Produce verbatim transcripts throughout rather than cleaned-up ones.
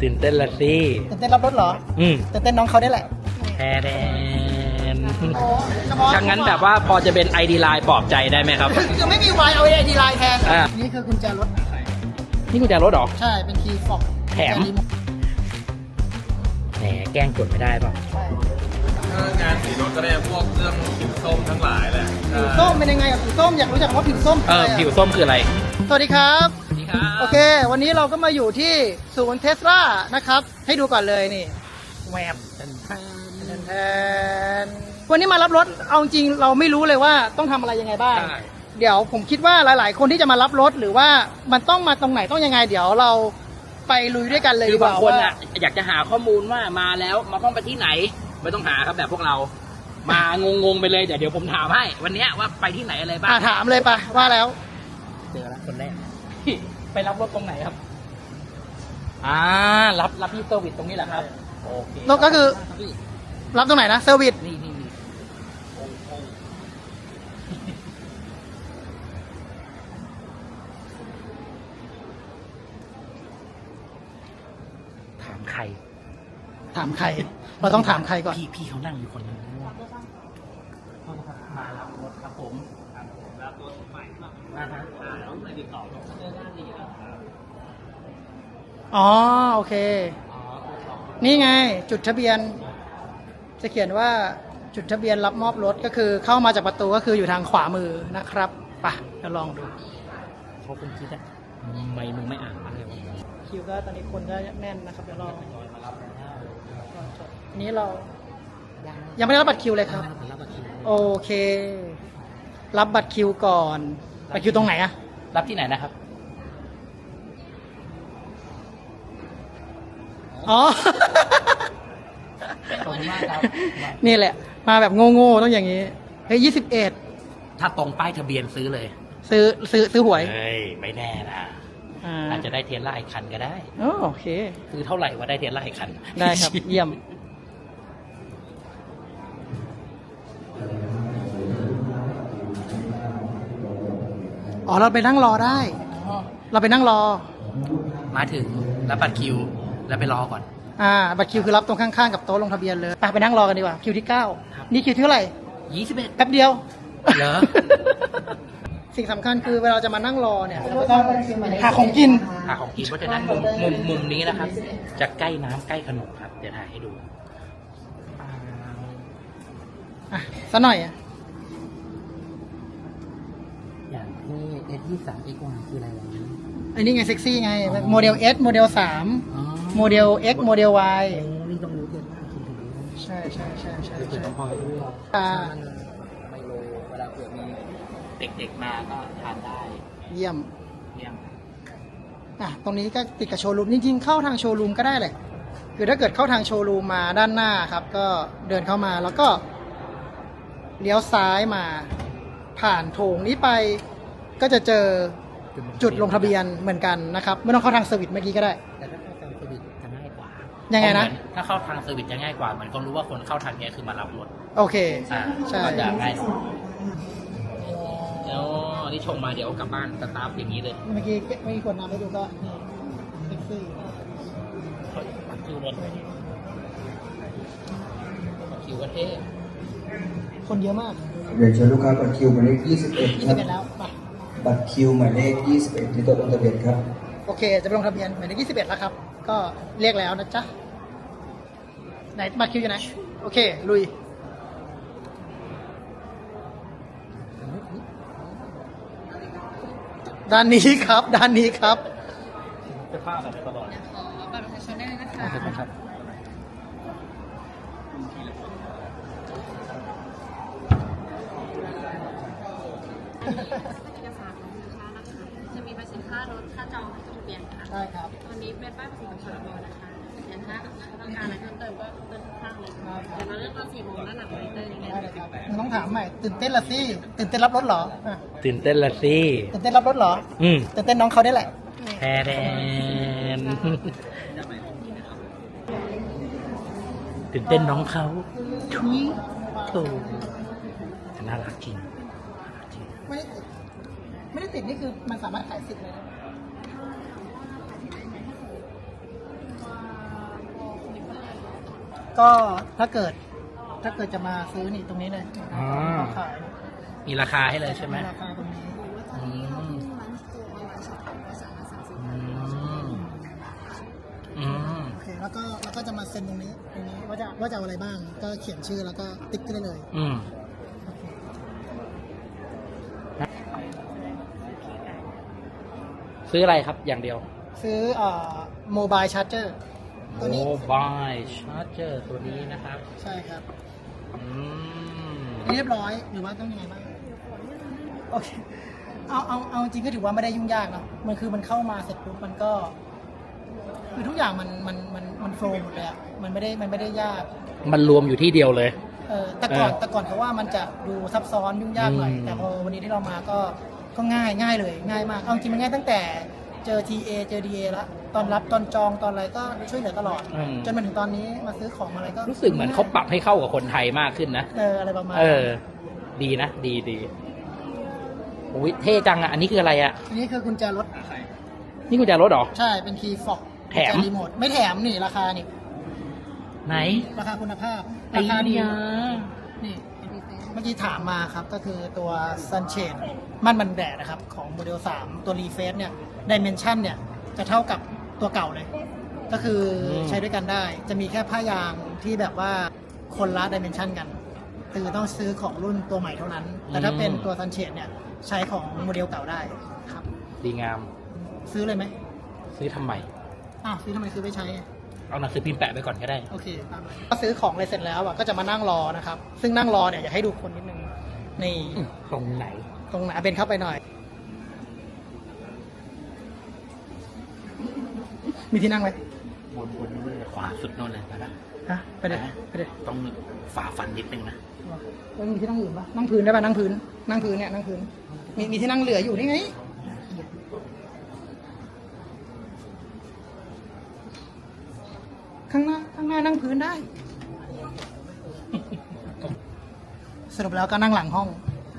ตื่นเต้นละสิตื่นเต้นรับรถเหรออืมตื่นเต้นน้องเขาได้แหละแทแดนถ้างั้นแบบว่าพอจะเป็น ไอ ดี Line ปลอบใจได้ไหมครับคือไม่มีวายเอาไอดีไลน์แทนอ่านี่คือกุญแจรถนี่กุญแจรถเหรอใช่ เป็นคีย์ฟอกแถม แหมแกล้งกดไม่ได้ป่ะใช่ถ้างานสีรถก็ได้พวกเรื่องผิวส้มทั้งหลายแหละผิวส้มเป็นยังไงกับผิวส้มอยากรู้จักว่าผิวส้มเออ ผิวส้มคืออะไรสวัสดีครับสวัสดีครับโอเค วันนี้เราก็มาอยู่ที่ศูนย์เทสลานะครับ ให้ดูก่อนเลยนี่แวบแทนแทนวันนี้มารับรถ เอาจริงเราไม่รู้เลยว่าต้องทำอะไรยังไงบ้างใช่เดี๋ยวผมคิดว่าหลาย ๆ คนที่จะมารับรถหรือว่ามันต้องมาตรงไหนต้องยังไง เดี๋ยวเราไปลุยด้วยกันเลยคืดีอก บาว่างคนว่าอ่ะอยากจะหาข้อมูลว่ามาแล้วมาต้องไปที่ไหน ไม่ต้องหาครับแบบพวกเรา มางงๆไปเลยเดี๋ยวเดี๋ยวผมถามให้ วันเนี้ยว่าไปที่ไหนอะไรบ้างอ่ะถามเลยปะว่าแล้วเจอแล้วคนแรก ไปรับรถตรงไหนครับ อ่า รับรับที่เซอร์วิสตรงนี้แหละครับโอเคแล้วก็คือ รับตรงไหนนะเซอร์วิสนี่นี่นี่ถามใครถามใคร เราต้องถามใครก่อนพี่พี่เขานั่งอยู่คนนึงมารับรถครับผมรับรถใหม่มาฮะแล้วไม่ติดต่อเจอหน้าดีแล้วอ๋อโอเค นี่ไง จุดทะเบียน จะเขียนว่าจุดทะเบียนรับมอบรถก็คือเข้ามาจากประตูก็คืออยู่ทางขวามือนะครับไปะจะลองดูเขาคงคิดอะทำไมมึงไม่อ่านอะไรวะคิวก็ตอนนี้คนก็แน่นนะครับเดี๋ยวลองอันนี้เรายังไม่ได้รับบัตรคิวเลยครับรับบัตรคิวโอเค รับบัตรคิวก่อนบัตรคิวตรงไหนอะรับที่ไหนนะครับอ๋อขอบคุณมากครับนี่แหละ มาแบบโง่ๆต้องอย่างนี้เฮ้ยยี่สิบเอ็ดถ้าตรงป้ายทะเบียนซื้อเลยซื้อซื้อซื้อหวยเฮ้ย ไม่แน่นะอ่าอาจจะได้เทสลาอีกคันก็ได้อ๋อโอเคซื้อเท่าไหร่ว่าได้เทสลาอีกคันได้ครับ เยี่ยม อ๋อ เราไปนั่งรอได้ เราไปนั่งรอมาถึงรับบัตรคิว แล้วไปรอก่อนอ่า บัตรคิวคือรับตรงข้างๆกับโต๊ะลงทะเบียนเลยไปไปนั่งรอกันดีกว่า คิวที่เก้าครับนี่คิวที่เท่าไหร่ยี่สิบเอ็ดแป๊บเดียวเหรอสิ่งสำคัญคือเวลาจะมานั่งรอเนี่ยเราก็ต้องหาของกินหาของกินเพราะฉะนั้นมุมมุมมุมนี้นะครับ จะใกล้น้ำใกล้ขนมครับ เดี๋ยวถ่ายให้ดูอ่ะสักหน่อยอ่ะอย่างที่ เอส ยี่สิบสาม เอ็กซ์ วาย คืออะไรวะอันนี้ไงเซ็กซี่ไง โมเดล S โมเดล สามอ๋อโมเดล X โมเดล Y โอ้นี่ต้องรู้เรื่องมากคุณถึงรู้ใช่ใช่ใช่ใช่คือใช่ต้องคอยด้วยอ่าไมโลเวลาเผื่อมีเด็กๆมาก็ทานได้เยี่ยมเยี่ยมอ่ะ ตรงนี้ก็ติดกับโชว์รูม จริงๆ เข้าทางโชว์รูมก็ได้แหละ คือถ้าเกิดเข้าทางโชว์รูมมาด้านหน้าครับ ก็เดินเข้ามาแล้วก็เลี้ยวซ้ายมา ผ่านโถงนี้ไป ก็จะเจอจุดลงทะเบียนเหมือนกันนะครับ ไม่ต้องเข้าทางเซอร์วิสเมื่อกี้ก็ได้แต่ถ้าเข้าทางเซอร์วิสจะง่ายกว่ายัยังไงนะถ้าเข้าทางเซอร์วิสจะง่ายกว่าเหมือนคนรู้ว่าคนเข้าทางเนี้ยคือมารับรถโอเคอ่าใช่ก็จะง่ายหน่อยแล้วนี่ชงมาเดี๋ยวกลับบ้านสตาร์ทอย่างนี้เลยเมื่อกี้เมื่อกี้กดน้ำไปดูก็นี่เซ็กซี่ปักคิวรถปักคิวก็เท่คนเยอะมากเรียนเชิญลูกค้าบัตรคิวหมายเลขยี่สิบเอ็ดยี่คสิรับบ เอ็ดแล้วไปบัตรคิวหมายเลขยี่สิบเอ็ดที่โต๊ะลงทะเบียนครับโอเค จะไปลงทะเบียนหมายเลขยี่สิบเอ็ดแล้วครับ ก็เรียกแล้วนะจ๊ะ ไหนบัตรคิวอยู่ไหน โอเค ลุย ด้านนี้ครับ ด้านนี้ครับจะพลาดแบบตลอดขอบัตรประชาชนได้เลยนะคะครับอันนี้เป็นเอกสารของลูกค้านะคะ จะมีภาษีค่ารถ ค่าจองค่าทะเบียนค่ะใช่ครับตอนนี้เป็นป้ายภาษีของพรบนะคะเดี๋ยวถ้าต้องการอะไรเพิ่มเติมก็เติมข้างเลยค่ะเดี๋ยวเราเริ่มตอนสี่โมงด้านหลังมอนิเตอร์ยังไงได้เลยครับมึงต้องถามใหม่ ตื่นเต้นละสิ ตื่นเต้นรับรถเหรออ่ะตื่นเต้นละสิตื่นเต้นรับรถเหรออืมตื่นเต้นน้องเขาได้แหละแทแดนตื่นเต้นน้องเขาทุยโถน่ารักจริงไม่ได้ติด ไม่ได้ติดนี่คือมันสามารถขายสิทธิ์เลยนะก็ถ้าเกิดถ้าเกิดจะมาซื้อนี่ตรงนี้เลยอ๋อขายมีราคาให้เลยใช่ไหมราคาตรงนี้อืมอืมอืมโอเคแล้วก็แล้วก็จะมาเซ็นตรงนี้ตรงนี้ว่าจะว่าจะเอาอะไรบ้าง ก็เขียนชื่อแล้วก็ติ๊กได้เลยอืม ซื้ออะไรครับอย่างเดียวซื้อเอ่อโมบายชาร์เจอร์ตัวนี้โมบายชาร์เจอร์ตัวนี้นะครับใช่ครับอืมเรียบร้อยหรือว่าต้องยังไงบ้างโอเคเอาเอาเอาจริงก็ถือว่าไม่ได้ยุ่งยากเนอะมันคือมันเข้ามาเสร็จปุ๊บมันก็คือทุกอย่างมันมันมันมันโฟล์หมดเลยอะมันไม่ได้มันไม่ได้ยากมันรวมอยู่ที่เดียวเลยเออแต่ก่อนเออแต่ก่อนเขาว่ามันจะดูซับซ้อนยุ่งยากหน่อยอืมแต่พอวันนี้ที่เรามาก็ก็ง่ายง่ายเลยง่ายมากเอาจริงมันง่ายตั้งแต่เจอ ที เอ เจอ ดี เอ แล้วตอนรับตอนจองตอนอะไรก็ช่วยเหลือตลอดอืมจนมาถึงตอนนี้มาซื้อของอะไรก็รู้สึกเหมือนเขาปรับให้เข้ากับคนไทยมากขึ้นนะเอออะไรประมาณเออ ดีนะ ดีดีอุ้ยเท่จังอ่ะ อันนี้คืออะไรอ่ะอันนี้คือกุญแจรถนี่กุญแจรถเหรอใช่เป็นคีย์ฟอกแถมรีโมทไม่แถมนี่ราคานี่ไหนราคาคุณภาพไอ้ราคาดียานี่เมื่อกี้ถามมาครับก็คือตัว Sunshade มันมันแดดนะครับ ของโมเดลสามตัวรีเฟซเนี่ยดิเมนชันเนี่ย จะเท่ากับตัวเก่าเลย ก็คือใช้ด้วยกันได้ จะมีแค่ผ้ายางที่แบบว่าคนละดิเมนชันกัน คือต้องซื้อของรุ่นตัวใหม่เท่านั้น แต่ถ้าเป็นตัว Sunshade เนี่ย ใช้ของโมเดลเก่าได้ครับดีงามซื้อเลยไหมซื้อทำไมอ้าวซื้อทำไมซื้อไปใช้อะเอาหนังสือพิมพ์แปะไปก่อนก็ได้โอเคตามนั้นก็ซื้อของอะไรเสร็จแล้วอ่ะก็จะมานั่งรอนะครับ ซึ่งนั่งรอเนี่ยอยากให้ดูคนนิดนึงนี่ตรงไหนตรงไหนเป็นเข้าไปหน่อย มีที่นั่งไหมบนบนนู้นเลยขวาสุดโน่นเลยไปละฮะไปเลยไปเลยต้องฝ่าฟันนิดนึงนะแล้วมีที่นั่งอื่นปะนั่งพื้นได้ปะนั่งพื้น นั่งพื้นเนี่ยนั่งพื้น มีมีที่นั่งเหลืออยู่นี่ไงข้างหน้าข้างหน้านั่งพื้นได้ สรุปแล้วก็นั่งหลังห้อง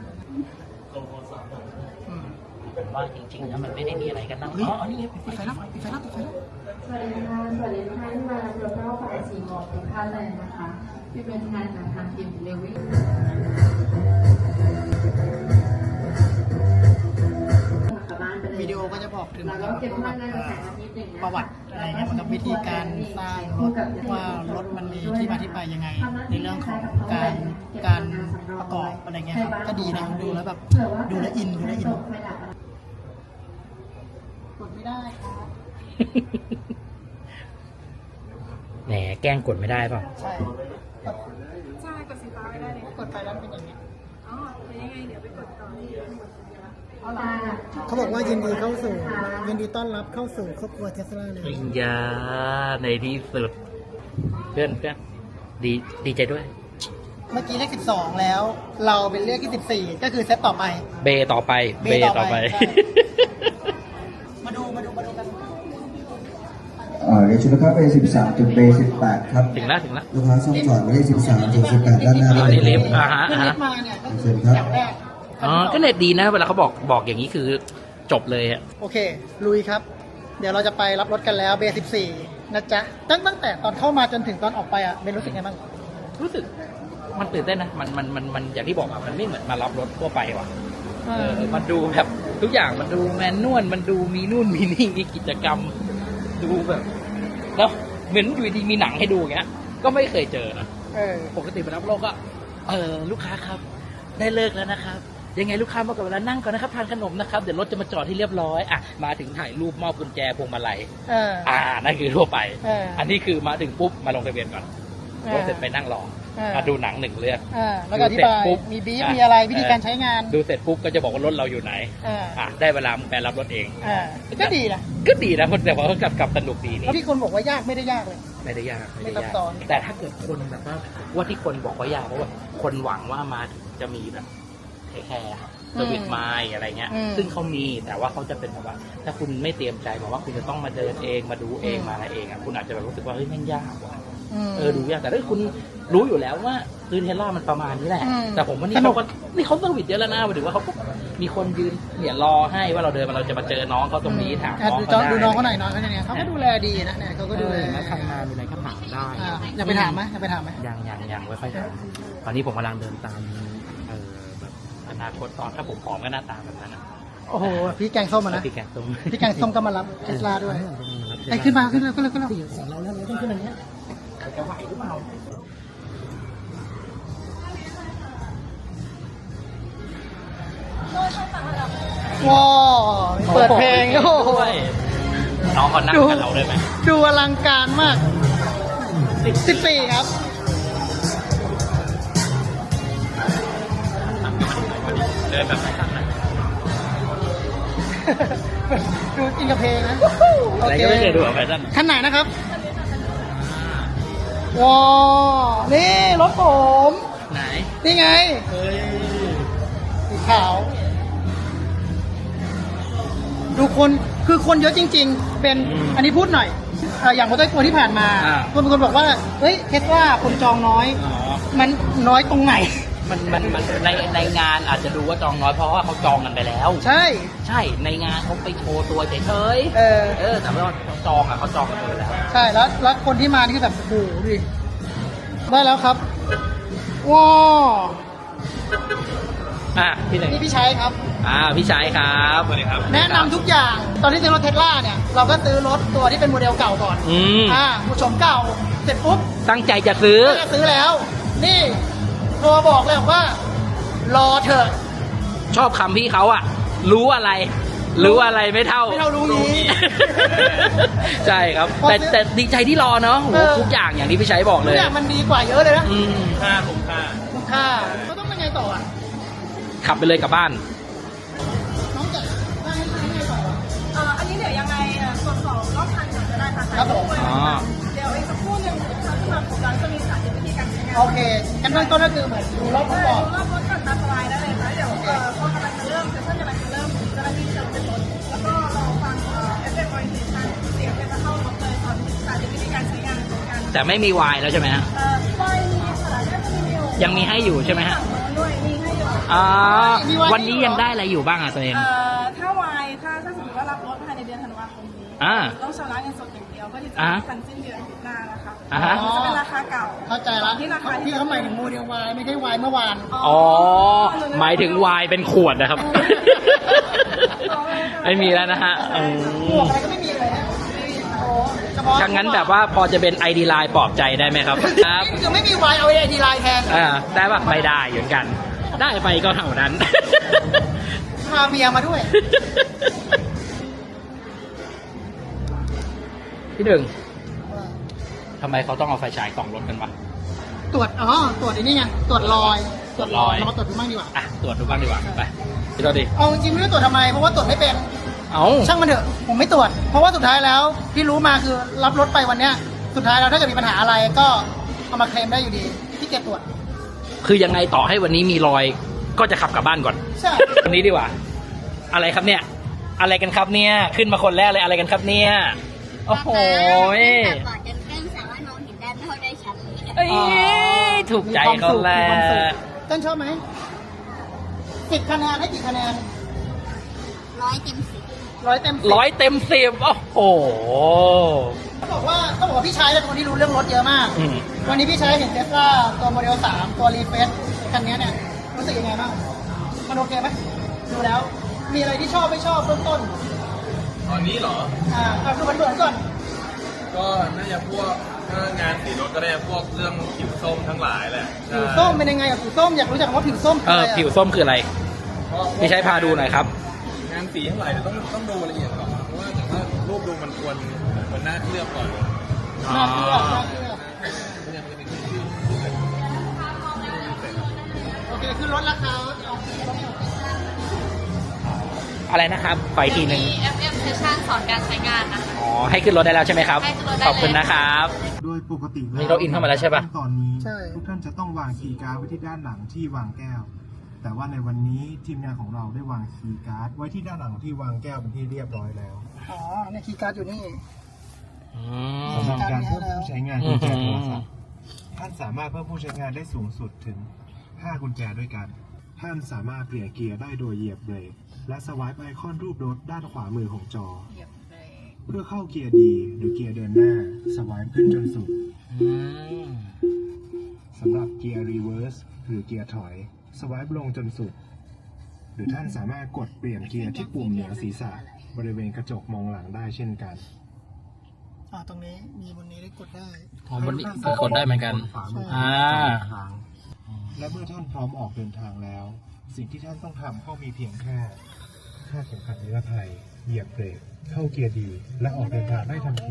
อืมผมว่าจริงๆนะมันไม่ได้มีอะไรกันนั่งอ๋อนี่ไงปิดไฟแล้วปิดไฟแล้วปิดไฟแล้วสวัสดีค่ะสวัสดีทุกท่านที่มารับชมรอบบ่ายสี่โมงทุกท่านเลยนะคะที่เป็นงานจากทางทีมเดวิดวิดีโอก็จะบอกถึงเราต้องเก็บภาพในกระแสนิดหนึ่งนะประวัติอะไรเงี้ยกับวิธีการสร้างรถว่ารถมันมีที่มาที่ไปยังไง ในเรื่องของการการประกอบอะไรเงี้ยครับก็ดีนะดูแล้วแบบดูแลวอินดูแลวอินกดไม่ได้ครับแหมแกล้งกดไม่ได้เปล่าใช่ใช่กดสีฟ้าไม่ได้เลยกดไปแล้วเป็นอย่างนี้อ๋อเป็นยังไงเดี๋ยวไปกดต่อที่หมดสัญญาเขาบอกว่ายินดีเข้าสู่ยินดีต้อนรับเข้าสู่ครอบครัวเทสลาเลยปริญญาในที่สุด เพื่อนเพื่อนดีดีใจด้วยเมื่อกี้เลขสิบสองแล้ว เราเป็นเลขที่สิบสี่ก็คือเซตต่อไปเบต่อไปเบเบต่ต่ออไปไปใช่ มาดูมาดูมาดูกันอ่าเรียนเชิญลูกค้าไปสิบสามจุดเบสิบแปดครับถึงแล้วถึงแล้วลูกค้าซ่อมจอดหมายเลขสิบสามถึงสิบแปดด้านหน้าอันนี้ลิฟต์อ่าฮะขึ้นอ่าลิฮะฟต์มาเนี่ยก็เชิคือญครับอย่างแรกอ๋อก็เน็ตดีนะ เวลาเขาบอกบอกอย่างนี้คือจบเลยอะโอเค ลุยครับ เดี๋ยวเราจะไปรับรถกันแล้วเบสิบสี่นะจ๊ะตั้งตั้งแต่ตอนเข้ามาจนถึงตอนออกไปอ่ะเบนรู้สึกไงบ้างรู้สึกมันตื่นเต้นนะ มันมันมันมันอย่างที่บอกอะมันไม่เหมือนมารับรถทั่วไปว่ะ เออ มันดูแบบทุกอย่างมันดูแมนนวล มันดูมีนู่นมีนี่มีกิจกรรม ดูแบบแล้วเหมือนอยู่ดีมีหนังให้ดูอย่างเงี้ย ก็ไม่เคยเจอนะเออปกติมารับรถก็ เออลูกค้าครับ ได้เลิกแล้วนะครับ ยังไงลูกค้ามากับเวลานั่งก่อนนะครับทานขนมนะครับ เดี๋ยวรถจะมาจอดที่เรียบร้อย อ่ะ มาถึงถ่ายรูปมอบกุญแจพวงมาลัยเอออ่า นั่นคือทั่วไปเอออัอันนี้คือมาถึงปุ๊บมาลงทะเบียนก่อนเออรถเสร็จไปนั่งรอเออมาดูหนังหนึ่งเรื่องเออแล้วก็อธิบายดูเสร็จปุ๊บมีบีฟอ่ะมีอะไรวิธีเออการใช้งานดูเสร็จปุ๊บก็จะบอกว่ารถเราอยู่ไหนเอออ่ะได้เวลามึงไปรับรถเองเออก็ดีนะก็ดีนะแต่ว่าก็กลับกลับสนุกดีนี่แล้วที่คนบอกว่ายากไม่ได้ยากเลยไม่ได้ยากไม่ได้ไม่ซับยากซ้อนแต่ถ้าเกิดคนแบบว่าว่าที่คนบอกว่ายากเพราะว่าคนหวังว่ามาถึงจะมีแบบแค่แค่สวิตไมล์อะไรเงี้ยอืมซึ่งเขามีแต่ว่าเขาจะเป็นแบบว่า ถ้าคุณไม่เตรียมใจบอกว่าคุณจะต้องมาเดินเองมาดูเองอืมมาอะไรเองอ่ะคุณอาจจะแบบรู้สึกว่าเฮ้ยแม่งยากว่ะอืมเออดูยากแต่ถ้าคุณรู้อยู่แล้วว่าคือเทสลามันประมาณนี้แหละอืมแต่ผมว่านี่สนุเขากก็นี่เขาเซอร์วิสเยอะแล้วนะหมายถึงว่าเขาก็มีคนยืนเนี่ยรอให้ว่าเราเดินมาเราจะมาเจอน้องเขาตรงนี้ถามอ่ะน้องดูเขาได้ดูน้องเขาหน่อยน้องเขาเนี่ยเขาก็ดูแลดีนะเนี่ยเขาก็ดูแลใครมาดูอะไรก็ถามได้อ่าอยากไปถามไหมอยากไปถามไหมยังยังยังไม่ค่อยถามตอนนี้ผมกำลังเดินตามเออแบบอนาคตตอนถ้าผมผอมก็หน้าตาแบบนั้นนะโอ้โหพี่แกงส้มอะนะพี่แกงส้มพี่แกงส้มก็มารับเทสลาด้วยไอ้ขึ้นมาขึ้นมาขึ้นมาขึ้นมาของเราแล้วเราต้องขึ้นอันเนี้ยจะไหวหรือเปล่าว้าวเปิดเพลงโอ้โหน้องเขานั่งกับเราได้ไหมดูอลังการมากสิบสี่ครับเดินแบบไหนตั้งนะดูอินกับเพลงนะอะไรก็ไม่เคยดูอะแฟชั่นคันไหนนะครับว้าวนี่รถผมไหนนี่ไงเฮ้ยสีขาว ดูคนคือคนเยอะจริง ๆ เป็นอันนี้พูดหน่อยเอ่ออย่างมอเตอร์โชว์ที่ผ่านมาคนบางคนบอกว่าเฮ้ยเทสลาคนจองน้อยอ๋อมันน้อยตรงไหนมันมันมันในในงานอาจจะดูว่าจองน้อยเพราะว่าเขาจองกันไปแล้วใช่ใช่ในงานเขาไปโชว์ตัวเฉยเออๆเออแต่ว่าเขาจองอ่ะเขาจองกันไปแล้วใช่แล้วแล้วคนที่มานี่คือแบบโอ้โหดิได้แล้วครับว้าวอ่ะพี่หนึ่งนี่พี่ใช้ครับอ่าพี่ชายครับสวัสดีครับแนะนำทุกอย่างตอนที่ซื้อรถเทสลาเนี่ย เราก็ซื้อรถตัวที่เป็นโมเดลเก่าก่อนอืมอ่าผู้ชมเก่าเสร็จปุ๊บตั้งใจจะซื้อก็จะซื้อแล้ว นี่โทรบอกเลยบอกว่า รอเถอะชอบคำพี่เขาอ่ะ รู้อะไร รู้อะไรไม่เท่าไม่เท่ารู้งี้ใช่ครับพอแต่ซื้อแต่ดีใจที่รอเนาะโหเออทุกอย่างอย่างที่พี่ชัยบอกทุเลกยอย่างมันดีกว่าเยอะเลยนะอืมค่าคุ้มค่าคุ้มค่าเขาต้องเป็นไงต่ออ่ะขับไปเลยกลับบ้านน้องจะว่าให้ยังไงต่ออ่ะเอ่ออันนี้เดี๋ยวยังไงเอ่อตรวจสอบรอบคันก่อนก็ได้ค่ะครับผมอ๋อเดี๋ยวอีกสักครู่หนึ่งทางสมาคมร้านจะมีสาธิตวิธีการใช้งานโอเคกันเบื้องต้นก็คือเหมือนดูรอบรถก่อนรอบรถก่อนตามสบายได้เลยนะเดี๋ยวเอ่อพอกำลังจะเริ่มเซสชั่นกำลังจะเริ่มเจ้าหน้าที่จะเป็นรถแล้วก็รอฟังเอ่อ เอฟ เอ็ม orientation เสียงจะเข้ารถเลยตอนสาธิตวิธีการใช้งานของการแต่ไม่มีวายแล้วใช่ไหมฮะเอ่อไฟมีขนาดได้จะมีอยู่ยังมีให้อยู่ใช่ไหมฮะฝั่งโน้นด้วยมีให้อยู่อ๋อวันนี้ยังได้อะไรอยู่บ้างอ่ะตัวเองเอ่อถ้าวายถ้าถ้าสมมติว่ารับรถภายในเดือนธันวาคมนี้อ่าต้องชำระเงินสดอย่างเดียวก็ที่จะอ่าทันสิ้นเดือนหน้านะคะอ่าฮะจะเป็นราคาเก่าเข้าใจละที่ราคาที่เขาหมายถึงโมเดลวายไม่ใช่วายเมื่อวานอ๋อ หมายถึงวายเป็นขวดนะครับ ไม่มีแล้วนะฮะอืหมวมกอะไรก็ไม่มีเลยนะโอ้เฉพาะถ้างั้นแบบว่าพอจะเป็น ไอ ดี Line ปลอบใจได้ไหมครับ ครับนี่คือไม่มีวายเอาไอดีไลน์แทนอ่าได้ปะไม่ได้เหมือนกัน ได้ไปก็เท่านั้นพาเมียมาด้วยพี่หนึ่งทำไมเขาต้องเอาไฟฉายส่องรถกันวะตรวจ อ๋อ ตรวจไอ้นี่ไง ตรวจรอยตรวจรอยเรามาตรวจดูบ้างดีกว่าอ่ะตรวจดูบ้างดีกว่าไปพี่ตัวดีเอาจริงๆไม่รู้ตรวจทำไม เพราะว่าตรวจไม่เป็นเอาช่างมันเถอะ ผมไม่ตรวจ เพราะว่าสุดท้ายแล้วที่รู้มาคือรับรถไปวันเนี้ย สุดท้ายแล้วถ้าเกิดมีปัญหาอะไรก็เอามาเคลมได้อยู่ดีที่เก็บตรวจคือยังไงต่อให้วันนี้มีรอย ก็จะขับกลับบ้านก่อนใช่วันนี้ดีกว่า อะไรครับเนี่ย อะไรกันครับเนี่ย ขึ้นมาคนแรกเลยอะไรกันครับเนี่ย โอ้โหยก่อนจนเครื่องสามารถมองเห็นด้านนอกได้ชัดเลยเอ้ยถูกใจเขาแล้มีความสุขวต้นชอบไหมสิบคะแนนให้กี่คะแนนร้อยเต็มสิบร้อยเต็มสิบร้อยเต็มสิบโอ้โหต้องบอกว่าต้องบอกว่าพี่ชายเป็นคนที่รู้เรื่องรถเยอะมากอืมวันนี้พี่ชายเห็นเทสลาตัวโมเดลสามตัวรีเฟสคันนี้เนี่ยรู้สึกยังไงบ้างมันโอเคไหมดูแล้ว มีอะไรที่ชอบไม่ชอบเบื้องต้นตอนนี้เหรออ่าเอาดูมันเบื้องก่อนก็น่าจะพวกถ้างานสีรถก็ได้พวกเรื่องผิวส้มทั้งหลายแหละผิวส้มเป็นยังไงกับผิวส้มอยากรู้จักว่าผิวส้มคืเออออะไรอะผิวส้มคืออะไรเพราะพี่ใช้พาดูหน่อยครับงานสีทั้งหลายเดี๋ยวต้องต้องดูละเอียดก่อนเพราะว่าแต่ว่ารูปดูมันควรควรน่าเคลือบก่อนน่าเชื่อน่าเชื่อไม่งั้นมันจะเป็นชื่อชื่ออะไรโอเคคือลดราคาเอาอะไรนะครับไปทีหนึ่งมี เอฟ เอ็ม Session สอนการใช้งานนะคะอ๋อ ให้ขึ้นรถได้แล้วใช่ไหมครับให้ขึ้นรถได้เลยขอบคุณนะครับโดยปกตินี่เราอินเข้ามาแล้วใช่ปะตอนนี้ใช่ทุกท่านจะต้องวางคีย์การ์ดไว้ที่ด้านหลังที่วางแก้ว แต่ว่าในวันนี้ทีมงานของเราได้วางคีย์การ์ดไว้ที่ด้านหลังที่วางแก้วเป็นที่เรียบร้อยแล้วอ๋อเนี่ยคีย์การ์ดอยู่นี่สำหรับการเพิ่มผู้ใช้งานกุญแจโทรศัพอืมท์ท่านสามารถเพิ่มผู้ใช้งานได้สูงสุดถึงห้ากุญแจด้วยกัน ท่านสามารถเปลี่ยนเกียร์ได้โดยเหยียบเบรกและสวายไอคอนรูปรถด้านขวามือของจอ เพื่อเข้าเกียร์ดีหรือเกียร์เดินหน้าสวายขึ้นจนสุดอืมสำหรับเกียร์รีเวิร์สหรือเกียร์ถอยสวายลงจนสุด หรือท่านสามารถกดเปลี่ยนเกียร์ที่ปุ่มเหนือศีรษะบริเวณกระจกมองหลังได้เช่นกันอ่าตรงนี้มีบนนี้ได้กดได้อ๋อบนนี้คือกดได้เหมือนกันขวามืออ่าทางและเมื่อท่านพร้อมออกเดินทางแล้ว สิ่งที่ท่านต้องทำก็มีเพียงแค่คาดเข็มขัดนิรภัยเหยียบเบรกเข้าเกียร์ดี และออกเดินทางได้ทันที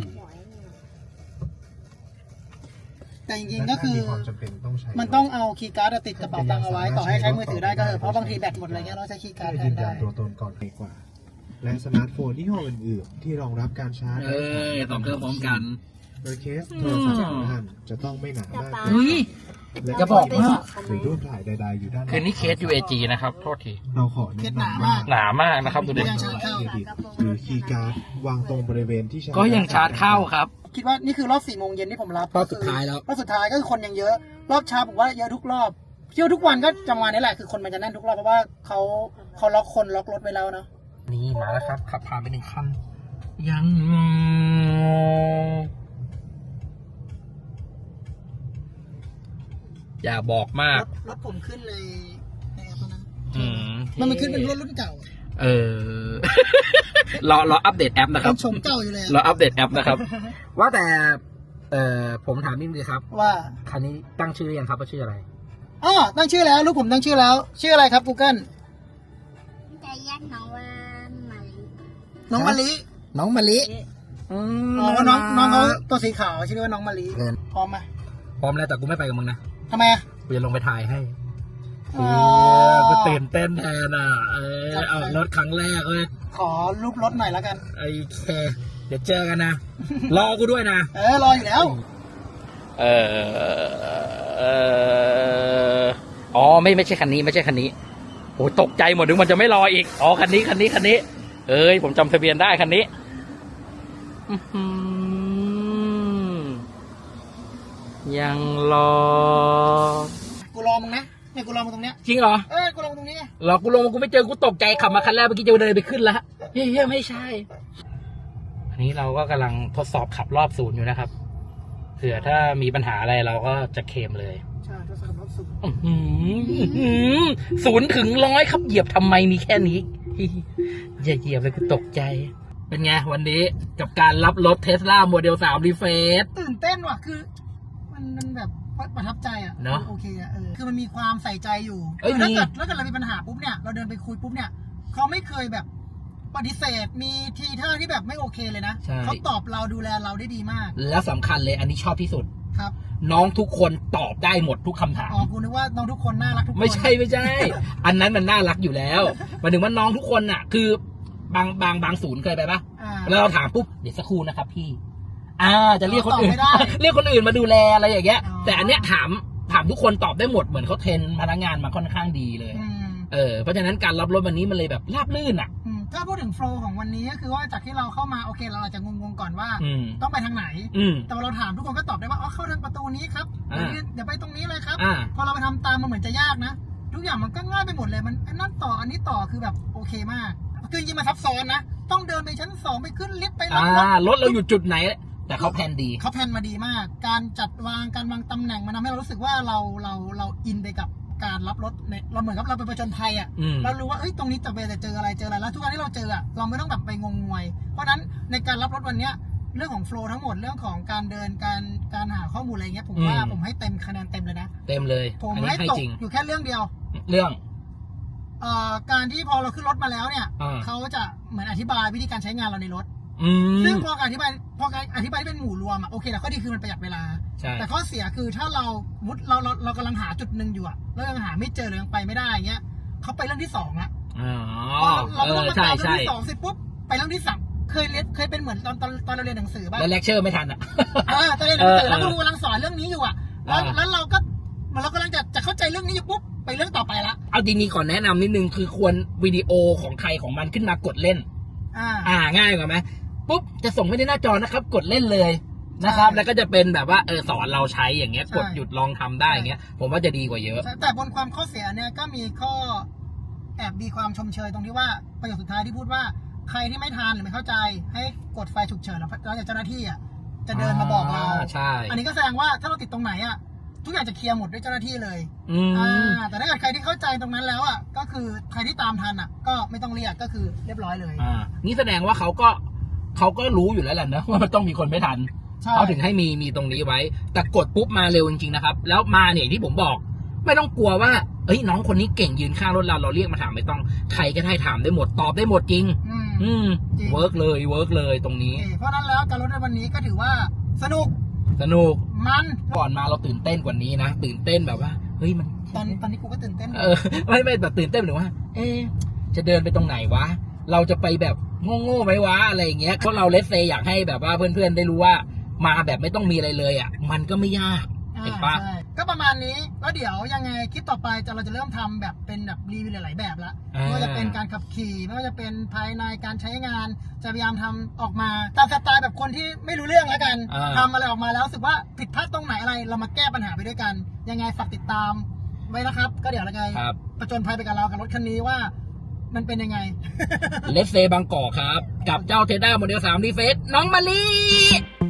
แต่จริงๆก็คือและถ้ามีความจำเป็นต้องใช้มันต้องเอาคีย์การ์ดติดกระเป๋าตังค์เอาไว้ต่อให้ใช้มือถือได้ก็เถอะเพราะบางทีแบตหมดอะไรเงี้ยเราใช้คีย์การ์ดเพื่อแทยืนนยัได้นตัวตนก่อนดีกว่า และสมาร์ทโฟนยี่ห้ออื่นๆ ที่รองรับการชาร์จเอ้ยสองเครื่องพร้อมกันโดยเคสโทรศัพท์ของท่านจะต้องไม่หนามากอุ้ยและจะบอกว่าหรือรูปถ่ายใดๆอยู่ด้านคือนี่เคส ยู เอ จี นะครับ โทษทีเราขอแนะนำว่าหนามากนะครับดูดิยังชาร์จเข้าเครดิตหรือคีย์การ์ดวางตรงบริเวณที่ชาร์จก็ยังชาร์จเข้าครับคิดว่านี่คือรอบสี่โมงเย็นที่ผมรับรอบสุดท้ายแล้วรอบสุดท้ายก็คือคนยังเยอะ รอบเช้าผมว่าเยอะทุกรอบเที่ยวทุกวันก็จำวันนี้แหละคือคนมันจะแน่นทุกรอบเพราะว่าเขาเขาล็อกคนล็อกรถไว้แล้วเนาะนี่มาแล้วครับ ขับผ่านไปหนึ่งคัน ยังอย่าบอกมาร กถรถผมขึ้นเลยในแอปตัวนั้นอืมมันมันขึ้นเป็นรถรุ่นเก่าเออ รอรออัปเดตแอปนะคเป็รับนชมเก่าอยู่เลยรออะอัปเดตแอปนะครับ ว่าแต่ เอ่อผมถามนิดนึงครับว่าคันนี้ตั้งชื่อหรือยังครับว่าชื่ออะไรอ๋อตั้งชื่อแล้วลูกผมตั้งชื่อแล้ว ชื่ออะไรครับ Google จะแยกน้องว่าไหมน้องมะลิน้องมะลิอ๋อว่าน้องน้องเขาตัวสีขาวชื่อว่าน้องมะลิเกินพร้อมไหมพร้อมแล้วแต่กูไม่ไปกับมึงนะทำไมอะกูจะลงไปถ่ายให้อ๋อเออกูตื่นเต้นแทนอ่ะ เออออกรถครั้งแรกเลยขอรูปรถหน่อยแล้วกันไอ้เคเดี๋ยวเจอกันนะ รอกูด้วยนะเออรออยู่แล้วเออเอออ๋อไม่ไม่ใช่คันนี้ไม่ใช่คันนี้โอ้ตกใจหมดนึกมันจะไม่รออีก อ๋อคันนี้คันนี้คันนี้ เอ้ยผมจำทะเบียนได้คันนี้อื้อหือยังรอกูรอมึงนะเนี่ยกูรอมึงตรงเนี้ยจริงเหรอเออกูรอมึงตรงนี้ไงหรอกูลงมากูไม่เจอกูตกใจขับมาคันแรกเมื่อกี้จะเดินไปขึ้นแล้วเฮ้ยเฮ้ยไม่ใช่ อันนี้เราก็กำลังทดสอบขับรอบศูนย์อยู่นะครับเผื่อถ้ามีปัญหาอะไรเราก็จะเคลมเลยใช่ทดสอบรอบสุดอื้อหืออื้อหือศูนย์ถึงร้อยครับเหยียบทำไมมีแค่นี้ อย่าเหยียบเลยกูตกใจ เป็นไงวันนี้กับการรับรถเทสลาโมเดลสามรีเฟซตื่นเต้นว่ะคือ มันมันแบบประทับใจอ่ะเนอะโอเคอ่ะเออคือมันมีความใส่ใจอยู่เอ้ยคือถ้ามีเกิดถ้าเกิดเรามีปัญหาปุ๊บเนี่ยเราเดินไปคุยปุ๊บเนี่ยเขาไม่เคยแบบปฏิเสธมีทีท่าที่แบบไม่โอเคเลยนะใช่เขาตอบเราดูแลเราได้ดีมากแล้วสำคัญเลยอันนี้ชอบที่สุดครับน้องทุกคนตอบได้หมดทุกคำถามอ๋อกูนึกว่าน้องทุกคนน่ารักทุกคนไม่ใช่ไม่ใช่ อันนั้นมันน่ารักอยู่แล้วหมายถึงว่าน้องทุกคนน่ะ คือบางบางบางศูนย์เคยไปปะอ่าแล้วเราถามปุ๊บเดี๋ยวสักครู่นะครับพี่ อ่า จะเรียกคนอื่นตอบไม่ได้เรียกคนอื่นมาดูแลอะไรอย่างเงี้ยอ๋อแต่อันเนี้ยถามถามทุกคนตอบได้หมดเหมือนเขาเทรนพนักงานมาค่อนข้างดีเลยอืมเออเพราะฉะนั้นการรับรถวันนี้มันเลยแบบราบรื่นอ่ะอืมถ้าพูดถึงโฟล์ของวันนี้ก็คือว่าจากที่เราเข้ามาโอเคเราอาจจะงงๆก่อนว่าอืมต้องไปทางไหนอืมแต่พอเราถามทุกคนก็ตอบได้ว่าอ๋อเข้าทางประตูนี้ครับอ่าเดี๋ยวเดี๋ยวไปตรงนี้เลยครับอ่าพอเราไปทำตามมันเหมือนจะยากนะ ทุกอย่างมันก็ง่ายไปหมดเลยมันอันนั้นต่ออันนี้ต่อคือแบบโอเคมากคือจริงๆมันซับซ้อนนะต้องเดินไปชั้นสองไปขึ้นลิฟต์ไปรับอ่ารถรถเราอยู่จุดไหน แต่เขาแพลนดีเขาแพลนมาดีมาก การจัดวางการวางตำแหน่งมันทำให้เรารู้สึกว่าเราเราเราอินไปกับการรับรถในเราเหมือนกับเราไปผจญภัยอ่ะอืมเรารู้ว่าเอ้ยตรงนี้จะไปจะเจออะไรเจออะไรแล้วทุกครั้งที่เราเจออ่ะเราไม่ต้องแบบไปงงงวย เพราะฉะนั้นในการรับรถวันเนี้ยเรื่องของโฟล์ทั้งหมดเรื่องของการเดินการการหาข้อมูลอะไรเงี้ยผมว่าอืมผมให้เต็มคะแนนเต็มเลยนะเต็มเลยผมอันนี้ให้ให้ตกจริงอยู่แค่เรื่องเดียวเรื่องเอ่อการที่พอเราขึ้นรถมาแล้วเนี่ยอ่าเขาจะเหมือนอธิบายวิธีการใช้งานเราในรถอืซึ่งมพอการอธิบายพอการอธิบายที่เป็นหมู่รวมอ่ะโอเคแต่ข้อดีคือมันประหยัดเวลาใช่แต่ข้อเสียคือถ้าเรามุดเราเราเรากำลังหาจุดหนึ่งอยู่อะแล้วยังหาไม่เจอหรือยังไปไม่ได้อย่างเงี้ยเขาไปเรื่องที่สองละอ๋อพอเราเอเราอมาใช่ตามเรื่อใช่งที่สองเสร็จปุ๊บไปเรื่องที่สามเคยเรียนเคยเป็นเหมือนตอนตอนตอนเราเรียนหนังสือบ้างแล้วเลคเชอร์ไม่ทันอ่ะอ่าตอนเรียนหนังสือเออแล้วครูกำลังสอนเรื่องนี้อยู่อะแล้วอ่าแล้วเราก็เหมือนเรากำลังจะจะเข้าใจเรื่องนี้อยู่ปุ๊บไปเรื่องต่อไปละเอาจริงๆก่อนแนะนำนิดนึงคือควรวิดีโอของใครของมันขึ้นมากดเล่นอ่าอ่าง่ายกว่าไหมปุ๊บจะส่งไปในหน้าจอนะครับ กดเล่นเลยนะครับใช่แล้วก็จะเป็นแบบว่าเออสอนเราใช้อย่างเงี้ยใช่กดหยุดลองทำได้อย่างเงี้ย ผมว่าจะดีกว่าเยอะแต่บนความข้อเสียเนี่ยก็มีข้อแอบมีความชมเชยตรงที่ว่าประโยคสุดท้ายที่พูดว่าใครที่ไม่ทันหรือไม่เข้าใจ ให้กดไฟฉุกเฉินแล้วแล้วจากเจ้าหน้าที่อ่ะจะเดินมาบอกเราใช่อันนี้ก็แสดงว่าถ้าเราติดตรงไหนอ่ะทุกอย่างจะเคลียร์หมดด้วยเจ้าหน้าที่เลยอืมอ่าแต่ถ้าเกิดใครที่เข้าใจตรงนั้นแล้วอ่ะก็คือใครที่ตามทันอ่ะ ก็ไม่ต้องเรียกก็คือเรียบร้อยเลยอ่านี่แสดงว่าเขาก็เขาก็รู้อยู่แล้วแหละนะว่ามันต้องมีคนไม่ทันใช่เขาถึงให้มีมีตรงนี้ไว้ แต่กดปุ๊บมาเร็วจริงๆนะครับ แล้วมาเนี่ยที่ผมบอก ไม่ต้องกลัวว่าเอ้ยน้องคนนี้เก่งยืนข้างรถเราเราเรียกมาถามไม่ต้องใครก็ได้ถามได้หมดตอบได้หมดจริงอืมอืมจริงเวิร์กเลยเวิร์กเลยตรงนี้โอเคเพราะฉะนั้นแล้วการรถในวันนี้ก็ถือว่าสนุกสนุกมันก่อนมาเราตื่นเต้นกว่านี้นะตื่นเต้นแบบว่าเฮ้ยมันตอนตอนนี้กูก็ตื่นเต้นเออไม่ไม่แบบตื่นเต้นหรือว่า เอ๊ะจะเดินไปตรงไหนวะ เราจะไปแบบโง่ๆไหมวะอะไรอย่างเงี้ยเพราะเราเลสเซอยากให้แบบว่าเพื่อนๆได้รู้ว่า มาแบบไม่ต้องมีอะไรเลยอ่ะ มันก็ไม่ยากอ่าเห็นปะใช่ก็ประมาณนี้แล้วเดี๋ยวยังไงคลิปต่อไปจะเราจะเริ่มทำแบบเป็นแบบรีวิวหลายๆแบบละอ่าไม่ว่าจะเป็นการขับขี่ไม่ว่าจะเป็นภายในการใช้งาน จะพยายามทำออกมาตามสไตล์แบบคนที่ไม่รู้เรื่องแล้วกันอ่าทำอะไรออกมาแล้วรู้สึกว่าผิดพลาดตรงไหนอะไร เรามาแก้ปัญหาไปด้วยกัน ยังไงฝากติดตามไว้นะครับ ก็เดี๋ยวยังไงครับประจนภัยไปกับเรากับรถคันนี้ว่า มันเป็นยังไงเลสเซบางกอกครับ กับเจ้าเทด้าโมเดลสามดีเฟสน้องมะลิ